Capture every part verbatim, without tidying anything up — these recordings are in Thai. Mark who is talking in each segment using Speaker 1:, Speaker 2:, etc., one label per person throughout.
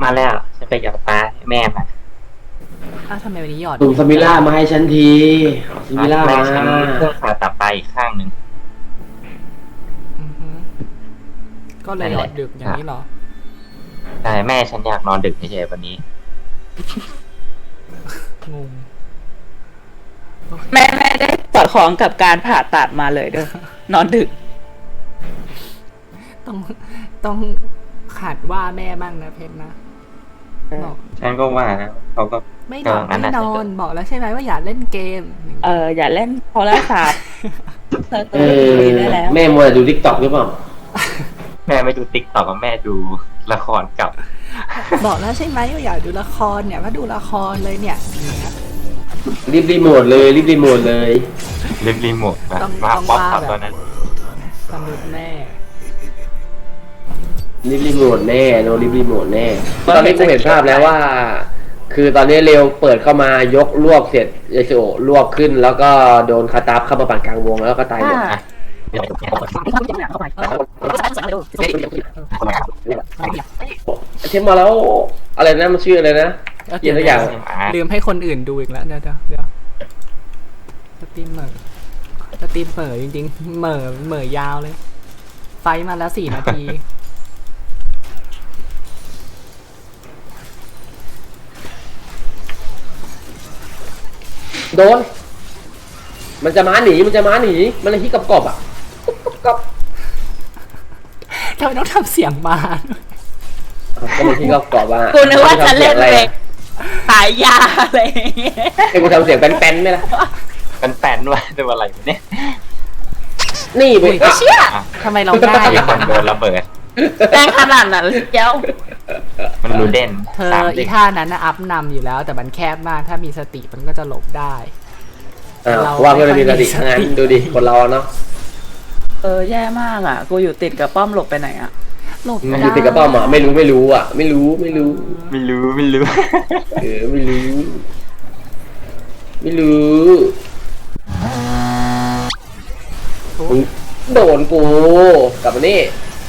Speaker 1: มาแล้วฉันไปหยอดปลาให้แม่มา
Speaker 2: อ้าวทำไมวันนี้หยอด
Speaker 3: ส่งสมิล่ามาให้ฉันทีสมิล่า
Speaker 1: แม่
Speaker 3: มา
Speaker 1: ฉันเครื่องผ่าตัดปลาอีกข้างหนึ่ง
Speaker 2: อือฮึก็เลยหยอดดึกอย่างนี้เหรอ
Speaker 1: ใช่แม่ฉันอยากนอนดึกเฉยๆวันนี้
Speaker 2: งง
Speaker 4: แม่แม่ได้สอดคล้องกับการผ่าตัดมาเลยเด้อนอนดึก
Speaker 2: ต้องต้องขาดว่าแม่บ้างนะเพชรนะบอก
Speaker 1: ฉันก็ว่านะเขาก็
Speaker 2: ไม่นอนไม่นอนบอกแล้วใช่ไหมว่าอย่าเล่นเกม
Speaker 4: เอออย่าเล่นโทรศัพท์
Speaker 3: เออแม่มัวแต่ดูทิกตอกหรือเปล่า
Speaker 1: แม่ไม่ดูติ๊กต็อกกับแม่ดูละครกับ
Speaker 2: บอกแล้วใช่ไหมว่าอย่าดูละครเนี่ยก็ดูละครเลยเนี่ย
Speaker 3: รีบรีโมทเลยรีบรีโมทเลย
Speaker 1: รีบรีโมทนะมาป๊อปครับตอนนั้น
Speaker 2: สมุดแม่
Speaker 3: รีบรีโมทแน่โนรีบรีโมทแน่ตอนนี้กูเห็นภาพแล้วว่าคือตอนนี้เร็วเปิดเข้ามายกลวกเสร็จเยโซลวกขึ้นแล้วก็โดนคาตาฟเข้ามาปั่นกลางวงแล้วก็ตายหมดเทมมาแล้วอะไรนะมันชื่ออะไรนะเกี่ยนทุกอย่าง
Speaker 2: ลืมให้คนอื่นดูอีกแล้วเดี๋ยวเดี๋ยวสตรีมเหม่อสตรีมเหม่อจริงๆเหม่อเหม่อยาวเลยไฟมาแล้วสี่นาที
Speaker 3: โดนมันจะม้าหนีมันจะม้าหนีมันเลยฮิกกับกบอ่ะกบ
Speaker 2: ทำไมต้องทำเสียงมา
Speaker 3: ก็มันฮิกกับกบอ่ะ
Speaker 4: กูนึกว่าจะเล่นเลยขายยาอะไร
Speaker 3: ไอ้กูทำเสียงแป้นๆไหมล่ะ
Speaker 1: แป้นๆว่าจะอะไรเนี่ย
Speaker 3: นี่ไป
Speaker 4: เชี่ย
Speaker 2: ทำไมเราง่าย
Speaker 1: มีคนโดนระเบิด
Speaker 4: แรงขนาดนั้นเจ้า
Speaker 1: มันรูเด่น
Speaker 2: เธออีท่านั้นนะอัพนำอยู่แล้วแต่มันแคบมากถ้ามีสติมันก็จะหลบได้
Speaker 3: เราว่าเพื่อนมีสติงั้นดูดิคนเราเนาะ
Speaker 4: เออแย่มากอ่ะกูอยู่ติดกับป้อมหลบไปไหนอ่ะ
Speaker 2: หลบ
Speaker 3: อยู่ติดกับป้อมอ่ะไม่รู้ไม่รู้อ่ะไม่รู้ไม่รู้
Speaker 1: ไม่รู้ไม่รู้
Speaker 3: เออไม่รู้ไม่รู้โดนกูกลับมานี่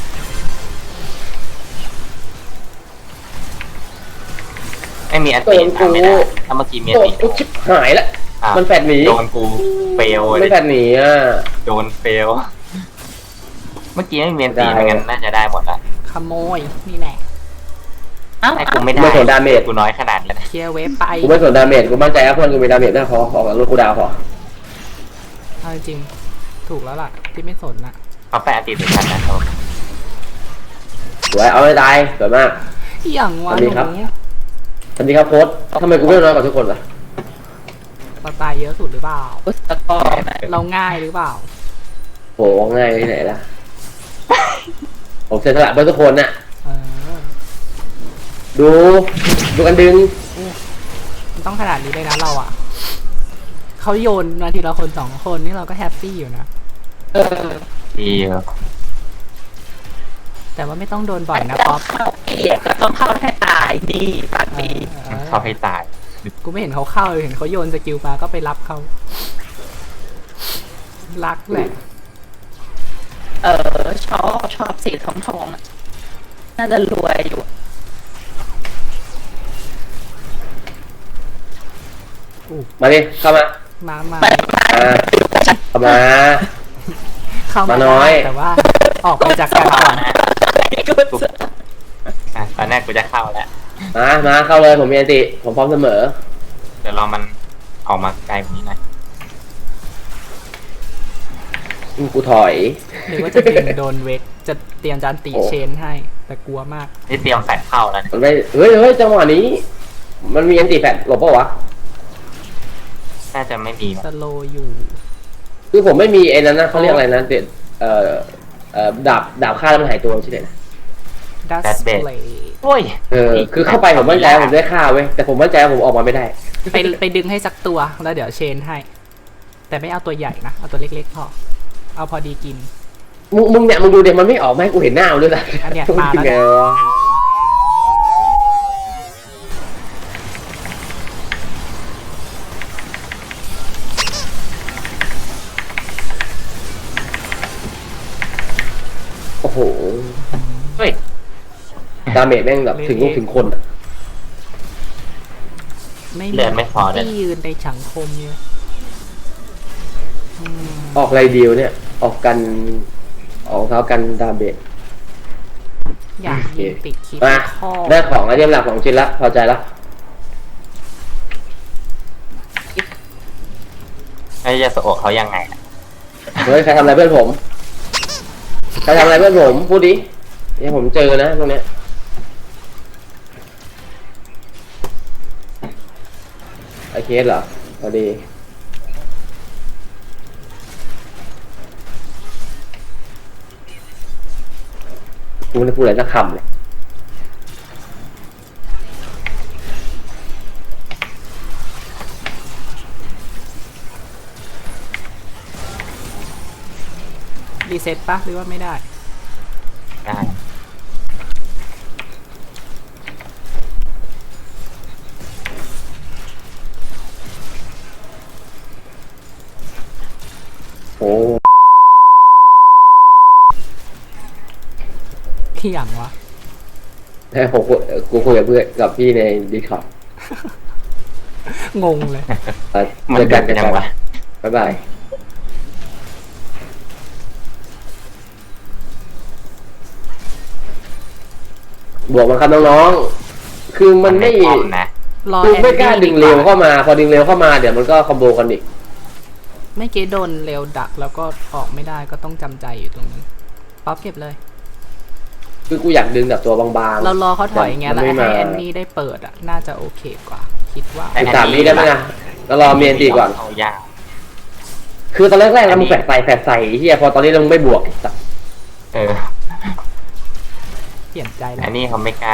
Speaker 1: ไม่มีอันตีทำไม่ได้ถ้าเมื่อกี้มีอันตี
Speaker 3: กูชิบหายแล้วมันแฟดหนี
Speaker 1: โดนกูเฟล
Speaker 3: ไม่แฟดหนีอ่ะ
Speaker 1: โดนเฟลเมื่อกี้ไม่มีอันตีไม่งั้นน่าจะได้หมดละ
Speaker 2: ขโมยนี่แหละ
Speaker 1: ไอ้กูไม่ได้
Speaker 3: ไม่สนดาเมจ
Speaker 1: กูน้อยขนาดนี้นะ
Speaker 2: เคลียร์เวฟไป
Speaker 3: กูไม่สนดาเมจกูมั่นใจว่าเพื่อนกูมีดาเมจได้พอขอกับลูกกูดาวพอ
Speaker 2: เอาจริงถูกแล้วล่ะที่ไม่สนน่ะ
Speaker 1: เอาแปะตีเป็นชั้นนะครับ
Speaker 3: สวยเอาไม่ตายสวยมาก
Speaker 2: อย่างวะหนู
Speaker 3: สวัสดีครับโค้ชทำไมกูไม่น้อยกว่าทุกคนล่ะ
Speaker 2: เราตายเยอะสุดหรือเปล่าเราง่ายหรือเปล่า
Speaker 3: โหง่ายที่ไหนล่ะผมเสียสละเพื่อทุกคนน่ะดูดูกันดึง
Speaker 2: มันต้องขนาดนี้เลยนะเราอ่ะเขาโยนมาทีละคนสองคนนี่เราก็แฮปปี้อยู่นะ
Speaker 4: เออ
Speaker 1: ดีครับ
Speaker 2: แต่ว่าไม่ต้องโดนบ่อยนะป๊อป
Speaker 4: ก็ต้องเข้าให้ตายดีปากดี
Speaker 1: เข้าให้ตาย
Speaker 2: กูไม่เห็นเขาเข้าเลยเห็นเขาโยนสกิลมาก็ไปรับเขารักแหละ
Speaker 4: เออชอบชอบสีทองทองน่าจะรวยอยู่
Speaker 3: มาดิเข้ามา
Speaker 2: มามา
Speaker 3: เข้ามา
Speaker 2: เข้ามาน้อยแต่ว่าออกไปจากกันก่อน
Speaker 1: ตอนแรกกูจะเข้าแล้ว
Speaker 3: มามาเข้าเลยผมมีอันติผมพร้อมเสมอ
Speaker 1: เดี๋ยวรอมันออกมาไกลกว่านี้หน่อย
Speaker 3: กูถอย
Speaker 2: หรือว่าจะดึงโดนเวกจะเตรียมจานตีเชนให้แต่กลัวมาก
Speaker 1: นี่เตรียมแฟดเข้าแล้ว
Speaker 3: มันไม่เฮ้ยเฮ้ยจังหวะนี้มันมีอันติแฟดหลบป่าวะ
Speaker 1: น่าจะไม่มี
Speaker 2: สโลอยู่
Speaker 3: คือผมไม่มีไอ้นั้นนะเขาเรียกอะไรนะเด็ดเอ่อเอ่อดาบดาบฆ่าแล้วมันหายตัวใช่ไหมนะ
Speaker 2: ดัสเบล
Speaker 1: โอ้ย
Speaker 3: เออคือเข้าไปผมมั่นใจผมได้ฆ่าเว้ยแต่ผมมั่นใจผมออกมาไม่ได้
Speaker 2: ไปไปดึงให้สักตัวแล้วเดี๋ยวเชนให้แต่ไม่เอาตัวใหญ่นะเอาตัวเล็กๆพอเอาพอดีกิน
Speaker 3: มึงมึงเนี่ยมึงดูเดี๋ยวมันไม่ออกมาให้กูเห็นหน้าเลยนะ
Speaker 2: อันเนี้ยมาแล้ว
Speaker 3: โอ้โห
Speaker 1: เฮ้ย
Speaker 3: ดาเมจแม่งแบบถึงลูกถึงคนอะ
Speaker 2: ไม่
Speaker 1: เลือดไม่พอเลย
Speaker 2: ที่ยืนในสังคมเนี่ยอืม
Speaker 3: ออกไรเดียวเนี่ย ออกกัน ออกเท้ากันดาเมจ
Speaker 2: อยากยิงติดคลิป
Speaker 3: มา
Speaker 2: ข้อ
Speaker 3: ได้ของไอเทมหลักของชิ้นละพอใจละ
Speaker 1: ไอ้ยาสโอะเขายังไงอะ
Speaker 3: เฮ้ยใครทำอะไรเพื่อนผมใครทำอะไรเพื่อนผมพูดดิเนี่ยผมเจอนะตรงเนี้ยไอเคสเหรอพอดีกูไม่ได้พูดอะไรสักคำเลย
Speaker 2: รีเซ็ตปะหรือว่าไม่ได้
Speaker 1: ได้
Speaker 3: โอ้
Speaker 2: ที่อย่างวะ
Speaker 3: แต่ผมคุยกูคุยกับเพื่อนกับพี่ในดิสคอร์ด
Speaker 2: งงเลย
Speaker 1: มัน
Speaker 3: เจอ
Speaker 1: เกิ
Speaker 3: กั
Speaker 1: ด
Speaker 3: นเจอ
Speaker 1: ยั
Speaker 3: กั
Speaker 1: ง
Speaker 3: น
Speaker 1: วะ
Speaker 3: บ๊ายบายบวกมาครับน้องๆคือมันไม่
Speaker 1: ป้อมนะ
Speaker 2: รอ
Speaker 3: คือ
Speaker 2: แอน
Speaker 3: ไม่กล้า
Speaker 2: ดี้
Speaker 3: ดึงเร็วเข้ามา พอดึงเร็วเข้ามาเดี๋ยวมันก็คอมโบกันอีก
Speaker 2: ไม่เกโดนเร็วดักแล้วก็ออกไม่ได้ก็ต้องจำใจอยู่ตรงนั้นป๊อปเก็บเลย
Speaker 3: คือกูอยากดึงแบบตัวบางๆ
Speaker 2: เรารอเขาถอยไง
Speaker 3: มั
Speaker 2: แล้ว
Speaker 3: ไม่
Speaker 2: ให้
Speaker 3: มา
Speaker 2: แอนนี่ได้เปิดอ่ะ น่าจะโอเคกว่า คิดว่า
Speaker 3: สิบสามนี้ได้ไหมนะแล้วรอเมียนตีก่อน
Speaker 1: เอายาก
Speaker 3: คือตอนแรกๆแล้วมึงแฝดใส่แฝดใส่เฮียพอตอนนี้เราไม่บวกไอ้สัส
Speaker 1: เออ
Speaker 2: เปลี่ยนใจแล้ว
Speaker 1: อันนี้เขาไม่กล้า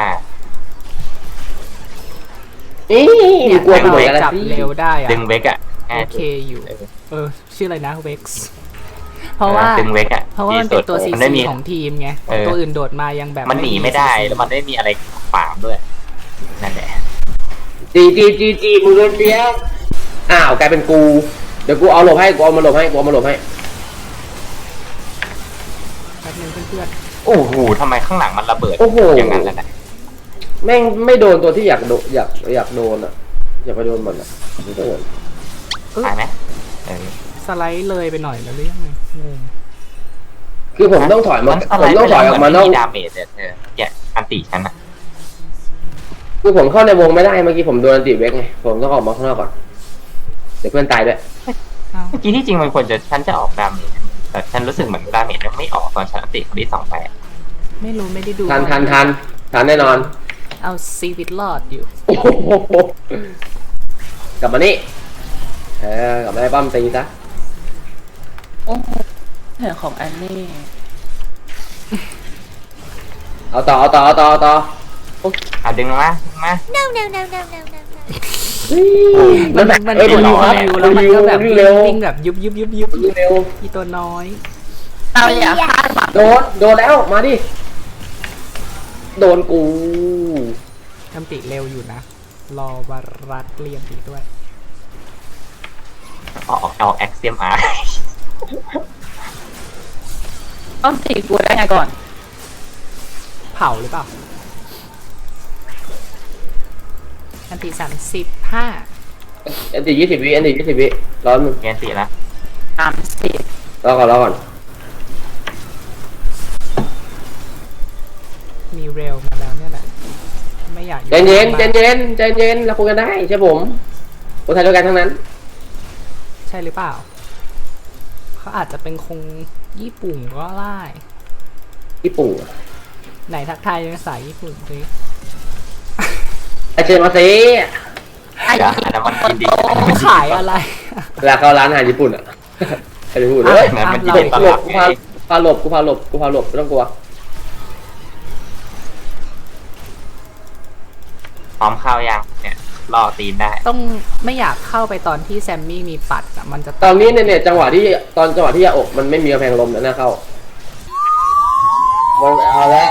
Speaker 3: นี่
Speaker 2: เนี่ย
Speaker 3: กลัว
Speaker 2: ถ้า
Speaker 3: ไปหม
Speaker 2: เรา
Speaker 3: ดแล้ว
Speaker 2: จับ
Speaker 3: สิ
Speaker 2: เร็วได้อ่ะ
Speaker 1: ดึงเวกอะง่าย
Speaker 2: โอเค
Speaker 1: สุด
Speaker 2: อยู่
Speaker 1: เออ
Speaker 2: เออ ชื่ออะไรนะเว็กซ์เพราะว่า
Speaker 1: ดึงเวกอะ
Speaker 2: เพราะว่า
Speaker 1: ดี
Speaker 2: มัน
Speaker 1: สุ
Speaker 2: เป็
Speaker 1: ด
Speaker 2: นตัวซี
Speaker 1: มันไม่
Speaker 2: ซี
Speaker 1: มี
Speaker 2: ของทีมไง
Speaker 1: เออ
Speaker 2: ตัวอื่นโดดมายังแบบ
Speaker 1: มันหนีไม่ได้แล้วมันไม่มีอะไรขวางด้วยนั่นแหละ
Speaker 3: จีจีจีจีมึงโดนเลี้ยงอ้าวกลายเป็นกู เดี๋ยวกูเอาหลบให้กูเอามาหลบให้กูเอามาหลบให้
Speaker 2: แป๊บนึงเพื่อน
Speaker 1: โอ้โหทำไมข้างหลังมันระเบิด
Speaker 3: โอ้โห
Speaker 1: อย่างนั้นแล้วนะ
Speaker 3: แม่งไม่โดนตัวที่อยากโดนอยากอยากโดนอ่ะ อยากไปโดนมันอ่ะไม่โดน
Speaker 1: ตายไหมเออ
Speaker 2: ๆสไลด์เลยไปหน่อยแล้วหรือยังไงงง
Speaker 3: คือผมต้องถอยมา
Speaker 1: มัน
Speaker 3: ผมต้องถอยออกมานอก
Speaker 1: ดาเมจเนี่ยเออเนี่ยอันติฉันอะ
Speaker 3: คือผมเข้าในวงไม่ได้เมื่อกี้ผมโดนอันติเวกไงผมต้องออกมาข้างนอกก่อนเดี๋ยวเพื่อนตายด้วย
Speaker 2: เอ้า
Speaker 1: เมื่อกี้ที่จริงมันควรจะฉันจะออกดาเมจแต่ฉันรู้สึกเหมือนดาเมจยังไม่ออกตอนฉันอันติคนที่สองไปอะ
Speaker 2: ไม่รู้ไม่ได้ดู
Speaker 3: ทันทันทันทันแน่นอน
Speaker 2: เอาซีวิตรอดอยู่
Speaker 3: โอ้โหกลับมานี่เออกลับมาไอ้ป้อมตีซะ
Speaker 4: โอ้โหเห็นของแอนนี่
Speaker 3: เอาต่อเอาต่อเอาต่อเอาต่อ
Speaker 1: อ่ะดึงมาดึงมา
Speaker 5: No, no, no, no, no, no, no.
Speaker 2: มันมัน
Speaker 3: เอ้ย
Speaker 2: กด
Speaker 3: ดูครับ
Speaker 2: คิวแล้วมันก็แบบ
Speaker 3: วิ่งเร็ว
Speaker 2: วิ่งแบบยุบยุบยุบยุบ
Speaker 3: วิ่งเร็ว
Speaker 2: อีตัวน้อย
Speaker 4: เราอย่าคาดหวัง
Speaker 3: โดนโดนแล้วมาดิโดนกู
Speaker 2: ทำติเร็วอยู่นะ รอวารัดเรียนดีด้วย
Speaker 1: ออกเอาแอคเซียมอาร์
Speaker 4: ต้องตีกูได้ไงก่อน
Speaker 2: เผาหรือเปล่า อันติสามสิบห้า
Speaker 3: อันตียี่สิบวิอันตียี่สิบวิร้อนมึง
Speaker 1: เงี้ยสิละ
Speaker 4: ตามสิ
Speaker 3: รอก่อนรอก่อน
Speaker 2: มีเร็วมาแล้วเนี่ยแหละ ไม่อยากอ
Speaker 3: ใจเย็นใจ
Speaker 2: บ้า
Speaker 3: เย็นใจเย็นเราคุยกันได้ใช่ผมคนไทยด้วยกันทั้งนั้น
Speaker 2: ใช่หรือเปล่า เขาอาจจะเป็นคงญี่ปุ่นก็ได้
Speaker 3: ญี่ปุ่น
Speaker 2: ไหนทักทายเป็นภาษาญี่ปุ่นสิ
Speaker 3: ไอเชนมาซี
Speaker 4: ไอ้
Speaker 1: เดี๋ยวอันนั้นมันกินดี
Speaker 2: เขาขายอะไร
Speaker 3: เวลาเข้าร้านอาหารญี่ปุ่นอ่ะใครจะพูด
Speaker 2: อ่ะ
Speaker 3: เฮ้ย
Speaker 1: นั้นมันกิน
Speaker 2: เรา
Speaker 1: ดี
Speaker 3: ห
Speaker 1: ต
Speaker 3: ล
Speaker 1: ล
Speaker 3: บ
Speaker 1: อด
Speaker 3: กู
Speaker 1: ไง
Speaker 3: พาพาหลบกูพาหลบกูพาหลบไม่ต้องกลัว
Speaker 1: พร้อมเข้ายังเนี่ยรอตีนได้
Speaker 2: ต้องไม่อยากเข้าไปตอนที่แซมมี่มีปัดอะมันจะ
Speaker 3: ตอนนี้เนี่ยเนี่ยจังหวะที่ตอนจังหวะที่ยาอกมันไม่มีกำแพงลมนะหน้าเข้ามันเอาละ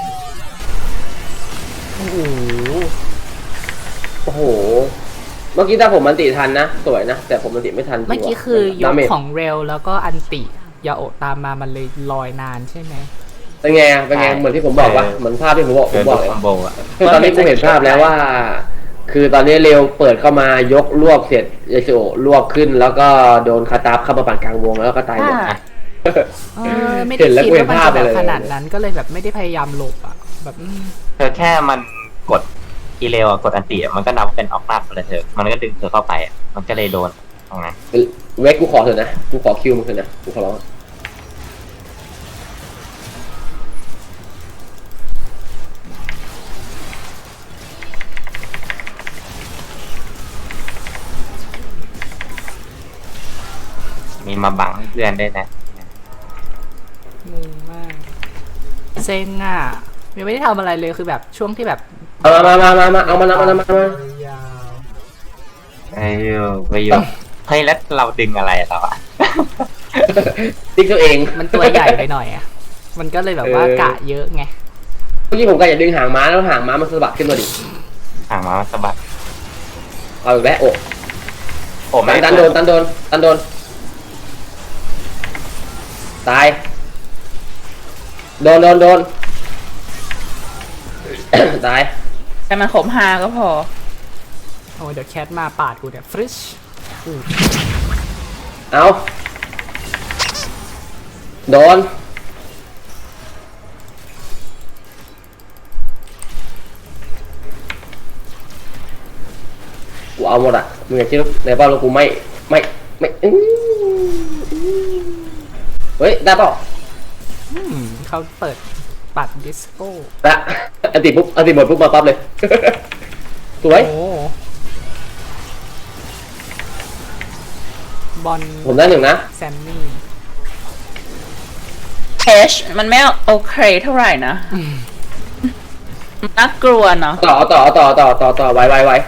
Speaker 2: โอ้โห
Speaker 3: โอ้โห เมื่อกี้ถ้าผมมันติทันนะสวยนะแต่ผมมันติไม่ทันจริง
Speaker 2: เมื่อกี้
Speaker 3: ว่ะ
Speaker 2: คือย
Speaker 3: ดาก เมจ
Speaker 2: ของเร็วแล้วก็อันติยาโอะตามมามันเลยลอยนานใช่ไหม
Speaker 3: เป็นไงเป็นไงเหมือนที่ผมบอกว่าเหมือนภาพที่ผมบอกผ
Speaker 1: เกิ
Speaker 3: ม
Speaker 1: น
Speaker 3: บ
Speaker 1: ลู
Speaker 3: อก
Speaker 1: ก
Speaker 3: เลย
Speaker 1: คอมโบอ่ะ
Speaker 3: คือตอนนี้กูเห็นภาพแล้วว่า คือตอนนี้เร็วเปิดเข้ามายกรวบเสร็จเอซิโอรวบขึ้น แล้วก็โดนคาตาฟเข้ามาปั่นกลางวงแล้วก็ตายหมด
Speaker 4: อ่า
Speaker 2: เออไม่ได้
Speaker 3: เห็นแล้ว
Speaker 2: คิดว่ามัน
Speaker 3: เห็นภาพ
Speaker 2: จะแบบ
Speaker 3: เลย
Speaker 2: ขนาดนั้นก็เลยแบบไม่ได้พยายามหลบอ่ะแบบอืม
Speaker 1: เธอแค่มันกดอีเลวอะกดอันตีอะมันก็นับเป็นออกหน้าไปเลยเธอมันก็ดึงเธอเข้าไปอะมันก็เลยโดนตรงนั้น
Speaker 3: เวกกูขอเถอะนะกูขอคิวมึงเถอะนะกูขอร้อง
Speaker 1: มีมาบังเพื่อนด้วยนะ
Speaker 2: งงมากเซ็งอ่ะยังไม่ได้ทำอะไรเลยคือแบบช่วงที่แบบ
Speaker 3: เอามามามามาเอามาเอามาเอามาเอามา
Speaker 2: ยาว
Speaker 1: ไอ้ยูไปยูเฮ้ยแล้วเราดึงอะไรอะเราอะ
Speaker 3: ติ๊กตัวเอง
Speaker 2: มันตัวใหญ่ไปหน่อยอ่ะมันก็เลยแบบว่า
Speaker 3: เออ
Speaker 2: กะเยอะไง
Speaker 3: เมื่อกี้ผมก็อยากดึงหางม้าแล้วหางม้ามันสะบัดขึ้นมาดิ
Speaker 1: ห่างมาสะบัด
Speaker 3: เอาอีกแล้วโอ้
Speaker 1: โอ้ไม่
Speaker 3: ตันโดนตันโดนตันโดนตายโดนโดนโดน ตาย
Speaker 4: แต่มันขมฮาก็พอ
Speaker 2: โอ้เดี๋ยวแคทมาปาดกูเนี่ยฟริชอู้
Speaker 3: เอาโดนกูเอาหมดอ่ะมึงอย่าคิดในบ้านเรากูไม่ไม่ไม่อื้อเฮ้ยได้เปล่า
Speaker 2: อืมเขาเปิดปัดดิสโก้
Speaker 3: ละอันติปุ๊บอันติหมดปุ๊บมาปั๊บเลย สวย
Speaker 2: โอ้บอล
Speaker 3: ผมได้หนึ่งนะ
Speaker 2: แซมมี่
Speaker 4: เอชมันไม่โอเคเท่าไหร่นะน่ากลัวเนาะ
Speaker 3: ต่อต่อต่อต่อต่อต่อไวไวไว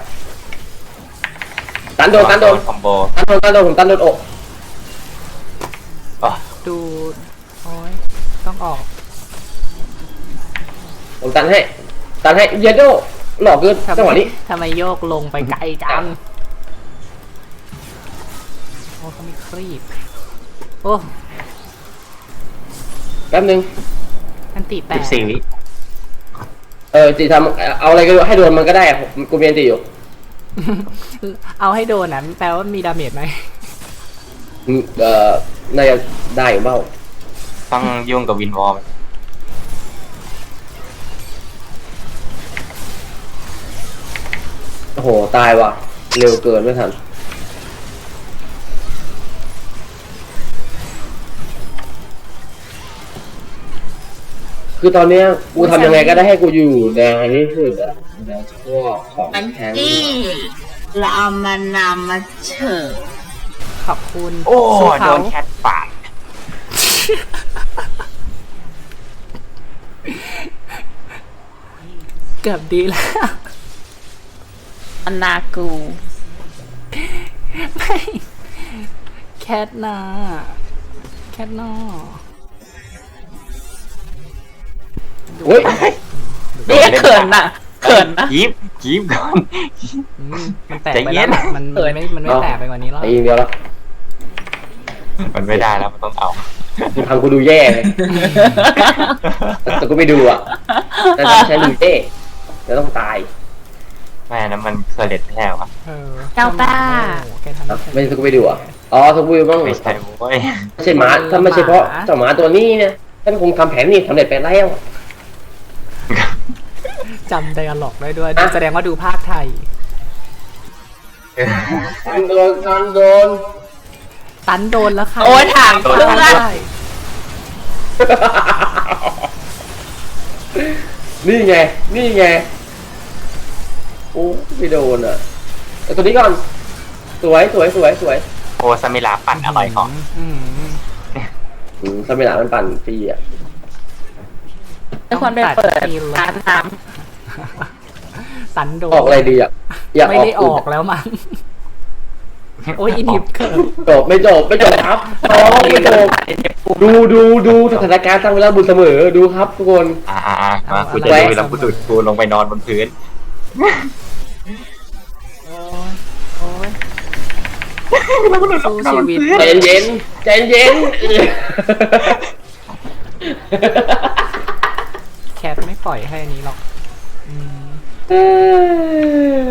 Speaker 3: ตันโดนตันโดน
Speaker 1: คอมโบ
Speaker 3: ตันโดนตันโดนผมตันโดนอก
Speaker 1: อ๋อ
Speaker 2: ดูโอ้ยต้องออก
Speaker 3: ผมตันให้ตันให้เยโดหลอกเกินจังหวะนี้
Speaker 2: ทำไมโยกลงไปไกลจังโอ้เขามีครีบโอ้
Speaker 3: แป๊บนึง
Speaker 2: อันติแป
Speaker 1: สิ
Speaker 2: ด
Speaker 1: บสี่วิ
Speaker 3: เออจีทำเอาอะไรก็ให้โดนมันก็ได้อะผมกูมีอันติอยู่
Speaker 2: เอาให้โดนนะแปลว่ามีดาเมจไหม
Speaker 3: อืมเออน่าจะได้อยู่เปล่า
Speaker 1: ต้องยุ่งกับวินวอล
Speaker 3: โอ้โหตายว่ะเร็วเกินไม่ทันคือตอนเนี้ยกูทำยังไงก็ได้ให้กูอยู่แดงที่สุดอะในพวกของแทง
Speaker 5: เราเอามานำมาเฉิด
Speaker 2: ขอบคุณ
Speaker 1: โอ้
Speaker 2: สู้
Speaker 1: โด
Speaker 2: เขา
Speaker 1: นแคทปาด
Speaker 2: เกือบดีแล้ว
Speaker 4: อันนากู
Speaker 2: ไม่แคทนาแคทนอ
Speaker 3: เฮ้ย
Speaker 4: เรียกเขินน่ะเขินนะ
Speaker 1: ยิบยิบก่อน
Speaker 2: อืมมันแตก
Speaker 1: ใจ
Speaker 2: ไป
Speaker 1: เย็
Speaker 2: แล้ว
Speaker 1: น
Speaker 2: ล่ะมันมันไม่มันไม่แตกไปกว่านี้แล้ว
Speaker 3: ไอ้ยิงเดียวแล้ว
Speaker 1: มันไม่ได้แล้วมันต้องเอา
Speaker 3: มึงทำกูดูแย่เลยแต่กูไม่ดูอ่ะแต่ถ้าใช้ดูแย่จะต้องตาย
Speaker 1: แม่นั้นมันเคยเด็ดแท้วะ
Speaker 2: เออ
Speaker 4: เจ้าป้า
Speaker 2: โอ้แกทำ
Speaker 3: ครับ
Speaker 2: ไม่
Speaker 3: ไม่
Speaker 2: เป็น
Speaker 3: ใช่กูไม่ดูอ่ะอ๋อทุกวิวบ้าง
Speaker 1: ไม่ใช่โว้ย
Speaker 3: ไม่ใช่หมาถ้าไม่ใช่เพราะเจ้าหมาตัวนี้เนี่ยท่านคงทำแผนนี่สำเร็จไปแล้ว
Speaker 2: จำไดอะล็อกได้ด้วย
Speaker 3: อ่ะ
Speaker 2: แสดงว่าดูภาคไทย
Speaker 3: โดนกันโดน
Speaker 2: ตันโดนแล้วค่ะ
Speaker 4: โอ้ยถามเพื่อน
Speaker 2: ได้
Speaker 3: นี่ไง นี่ไง โอ้ไม่โดนอ่ะแต่ตัวนี้ก่อน สวยสวยสวยสวย
Speaker 1: โอ้สมิลาปั่นอร่อยของ
Speaker 2: อืม
Speaker 3: อืมสมิลามันปั่นฟรีอ่ะ
Speaker 4: ไม่ควรไปเปิดร้านน้
Speaker 2: ตันโดน
Speaker 3: ออกอะไรดีอ่ะ อยาก
Speaker 2: ไม่
Speaker 3: ออก
Speaker 2: ได้ออกแล้วมั้งโอ้ยอินิบเคิร์
Speaker 3: จบไม่จบไม่จบครับน้องไม่จบดูดูดูสถานการณ์สร้างเวลาบุญเสมอดูครับทุกคน
Speaker 1: อ่าอ่าอ่ามากูจะดูแล้วกูดุดกูลงไปนอนบนพื้น
Speaker 2: โอ้ยโอ้ยสู้ชีวิต
Speaker 3: ใจเย็นใจเย็น
Speaker 2: ปล่อยให้อันนี้หรอกอืม
Speaker 3: เออ